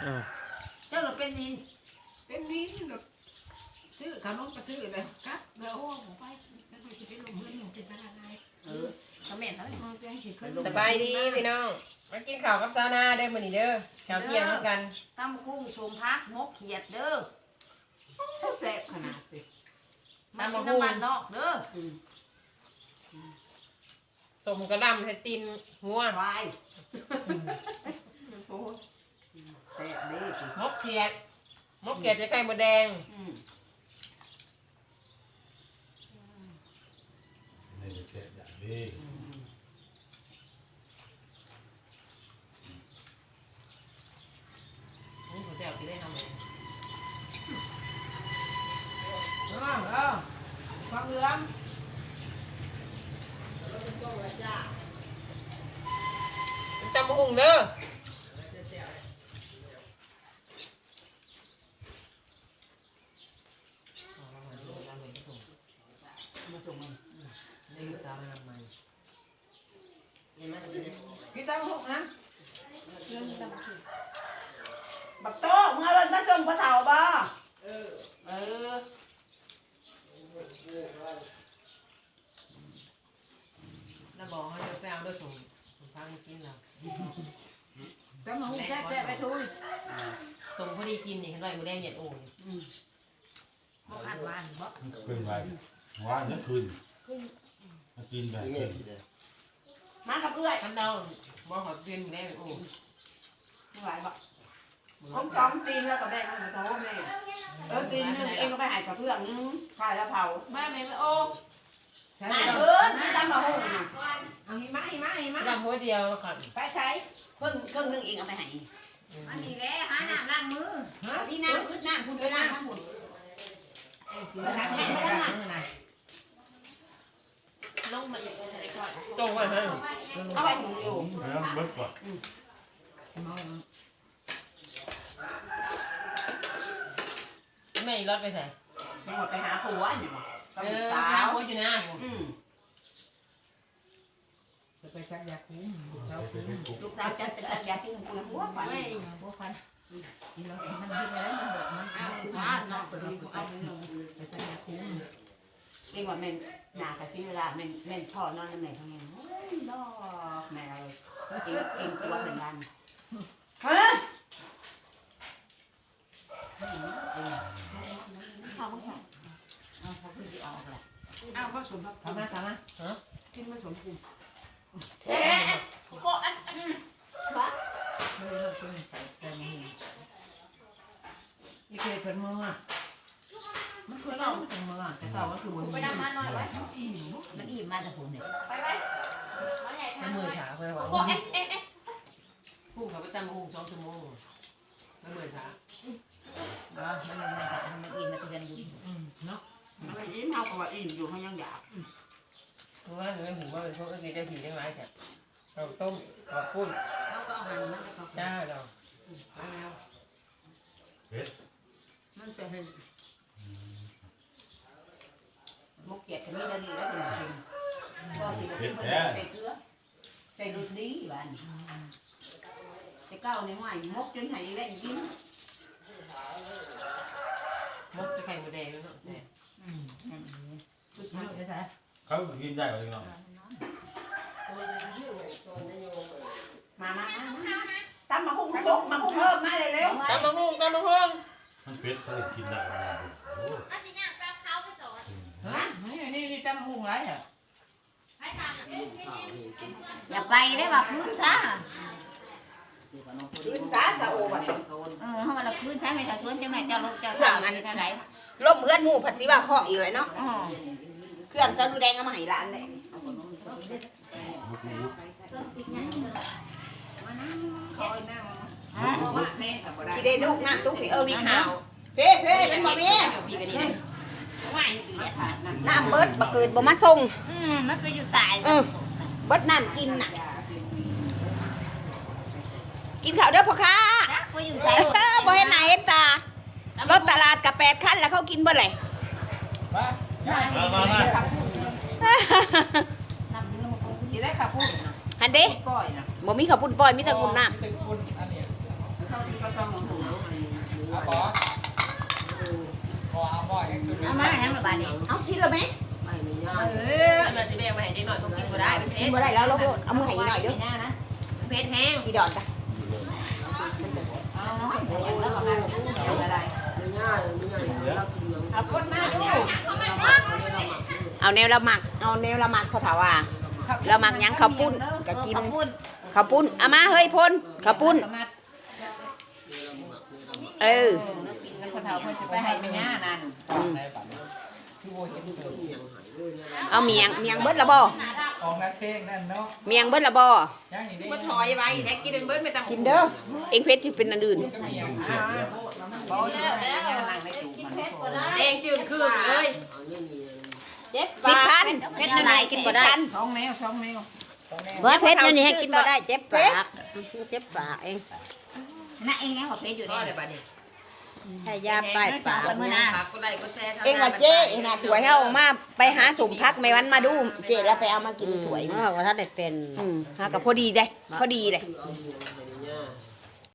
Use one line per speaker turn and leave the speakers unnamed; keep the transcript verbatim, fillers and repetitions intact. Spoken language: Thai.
เจ้าเราเป็นวิน
เป็นวินแบบซื้อขนมก็ซื้อเลยครับเดี๋ยวโอ้ผมไปแล้วไปจะไปลงเงินลงเป็นตลาดไง
เออคอมเมนต์เท่าไหร่
สบายดีพี่น้องมากินข้าวกับซาวนาเด้อมื้อนี้เด้อข้าวเที่ยงเหมือนกัน
ตำกุ้งสมพักมกเขียดเด้อ
แซ่บขนาดเลย
มากินน้ำมันนอกเด้อ
สมกระดำให้ตินหัว
วายโอ้แซ่บดี
มกเขียดมกเขียดจะไข่มดแดง
นี่เจ็บอย่างนี้
นี่ผมจะเอาไปได้ทำไง
เออเออฟังเรื่อง
จำหุ่งเด้อ
มาส่งมัน
นี่ตามมาใหม่
กินตามหกนะ
บักโต้เมื่อวันมาส่งพระเถาบ่เออเออ
แล้วบอกให้เราไปเอาด้วยสมผมพามากินเรา
ตามหกแซ่บแซ่บไปทุย
สมพอดีกินนี่เห็นไรมือแดงเหยียดโอ่ง
บ่ขัดวานบ่
มันเป็นไรว่านนั่นคืนมากินแบบนี้
มากับเอื้อย
กันเดาบอกขอเปลี่ยนมือแดงโอ่ง
ไม่ไหวบ่ผมจอมตีนแล้วก็แบ่งให้โตแม่เออตีนนึงเองก็ไปหายกับเพื่อนนึงขายแล้วเผา
แม่แม่โอ้
มาเอิ้นตำมะฮุ่งน่ะ
เอาหิมะหิมะหิมะ
ดำหัวเดียวก่อน
ไปใช้เครื่องเครื่องนึงเองเอาไปให้
อันนี้แหละหาน้ำล้างมือ
เอาที่น้ำอึดน้ำคุณไปน้ำทั้งหมด
สีน้ำแห้งไม่ได้มือนะ
ลงมาอีกจะได้ก่อน
ตรงไว้ให้
เอาไปหมุนอยู่
แล้วเบิดก่อน
ไม่รถไปใส่
ไปหมดไปหาผัวอยู่บ่
เอ
กับ
อ
สาว
หัวอยู่นะ
อืม
จะไปซักยาคุ้มเขา
ลูกสาวจะเป็นตัดยาที่มึงกูหัวไป
ไม่พวกพันกินแล้วมันกินแล้วมันบอกมัน
เอา
คุ้ม
มา
มา
เนาะ
เนาะ
ตัวนี้กูเอาไปหนึ่ง
ไปซักยาคุ้ม
เรียกว่าแม่นหน้ากับที่เวลาแม่นแม่นพ่อนอนแม่ทำไงโอ้ยดอกแม่เลยเองเองตัวเป็นกันเฮ้ยเอาไม่ใช่เอาเขาขึ้นที่ออกแหละเอาผสมครับ
ทำมาทำมา
กินผสมกิน
เอ๊ะ
โคอันอันวะ
ไม่ได้เราเป็นใส่เต็มมือยี่เกศเป็นมือมันคือเราเป็นมือแต่ต่อมันคือบน
ไปดำมาหน่อยไว้
อิ่ม
มันอิ่มมาแต่ผมเนี่ยไปไป
น้ำมือขาเพื่อนว่า
โอ้เอ๊ะเอ๊ะเอ๊ะ
พุ่งเขาไปจำพุ่งสองชั่วโมงน้ำมือขา
เนาะมันมันมันอิ่มมาเตือนบุญ
เนาะ
อะไรยิ้มเฮากับว่าอิ่มอยู่เขายังอยาก
เพราะว่าเนื้อหูว่าเป็นพวกเอ็กซ์เจ้าผีได้ไหมแค่เราต้มขอบคุณ
เขาก็เอาหันมันจะเขา
จ้าเรา
เผ็ด
มันจะเป็นมกเกียดจะมีนาดีแล้วเป็นจริงก็สิเป็นคนใส่เกลือใส่รสดีบ้านแต่เก้าในห้อยมกจนหายแว่นกิน
มกจะไข่หมูแดงแล้วเนาะเนี่ย
อืมนั่นเอง
เอาไปใส่
เขากินได้เลยเนาะ
มามามาตำมาหุ้งตุกมาหุ้งเพิ่มมาเลยเร็ว
จำมาพุ่งจำมาพุ่ง
มันเผ็ดเขากินได้โอ้
อันนี้เนี่ยแป๊บเขาไปสอน
ฮะนี่นี่นี่จำหุงไรเหรอ
ให้ทำอย่าไปได้ว่าคืนซะ
คืนสาสะโอบัด
เออเขามาละคืนใช้ไม่ถ้าคืนจังไหนเจ้าลูกเจ้าสาวอันไหน
ล่มเพื่อนหมู่ผัดสีว่าข้ออีกเลยเนาะ
อ๋อ
เครื่องซาดูแดงเอามาให้ร้านเลย
คอยนั่ง
ฮะ
ว่าแม่กับบ่ได้
ที่ได้ลูกน้ำตุ๊กนี่เออ
มี
มี
ข่า
ข่าว วเพ่เพ่เป็นบ่มี
พี่กันนี่
ว่าอีกอ่ะ
น้ำเบิดบ่เกิดบ่มาส่ง
อืมมันไปอยู่ตาย
เบิดน้ำกินน่ะ กินข้าวเด้อพ่อค้า
จ้ะไปอยู่ใส่
บ่เห็นหน้าเห็นตารถตลาดกับแปดคันแล้วเขากินเบ่เลย
มามามา
ที่ได้ขับพูดนะ
หันเด้
ปล่อยนะ
บ่มีข้าวปุ้นปล่อยมีแต่กุนน้ำ
เขากิน
ก็ต้องเอาหัว
เอาบ่บ่เอาบ่ยังชุด
เอามาทั้งระบาดนี่
เอากินแล้วไหม
ไปไม่ยาก
เออมันสิแบ่งมาให้เด็กหน่อยเขากินบ่ได้เป็นเพ
กิ
ช
น
ร
บ่ได้แล้วเราเอามือให้หน่อยเด้อ
ไม่น่านะ
เพชรแห้ง
อีดอนจ้ะเอาแล้วก็มาเอาอะไร
ไม่ยากไม่ยากเรากินยัง
เอาคนมาดูเอาแนวละหมักเอาแนวละหมักเขาถามว่าละหมักยังข้าวปุ้นก็กิน
ขอบคุณ
ข้าวปุ้นเอามาเฮ้ยพลข้าวปุ้นเออ
แล้วคนเฒ่าเพิ่นสิไปให้แม่ย่านั่น
ในฝันคือโบเห็นเกิด
เอาเมียงเมียงเบิดละบ่
ออกนาเชงนั่นเนาะ
เมียงเบิดละบ่
ย่างอีกได้
บ่ถอยไว้แท้กินเป็นเบิดไม่ต้อง
กินเด้อเองเพชรที่เป็นอันอื่น
ก็มีอย่าง
บ่แล้วแล้วนั่งในตู้มัน
แดงจืดคืนเลย
เจ็บ
สิบพัน
เพชรอะไรกินบ่ได้
ท้องแมวท้องแมว
เบิดเพชรนี่ให้กินบ่ได้เจ็บปากเจ็บปากเอง
น่ะเองยังกับเพชรอยู่
ก็
นี่
ได้บัดนี้
ให้ยาป้ายปาก
มื้อหน้า
ก็ได้ก็แช่
เองว่าเจ๊เองน่ะถวยเฮามาไปหาสมพักไม่วันมาดูเจ๊แล้วไปเอามากินถวย
เพราะว่าท่านได้เป็น
อืมหากับพอดีได้พอดีเลย
เ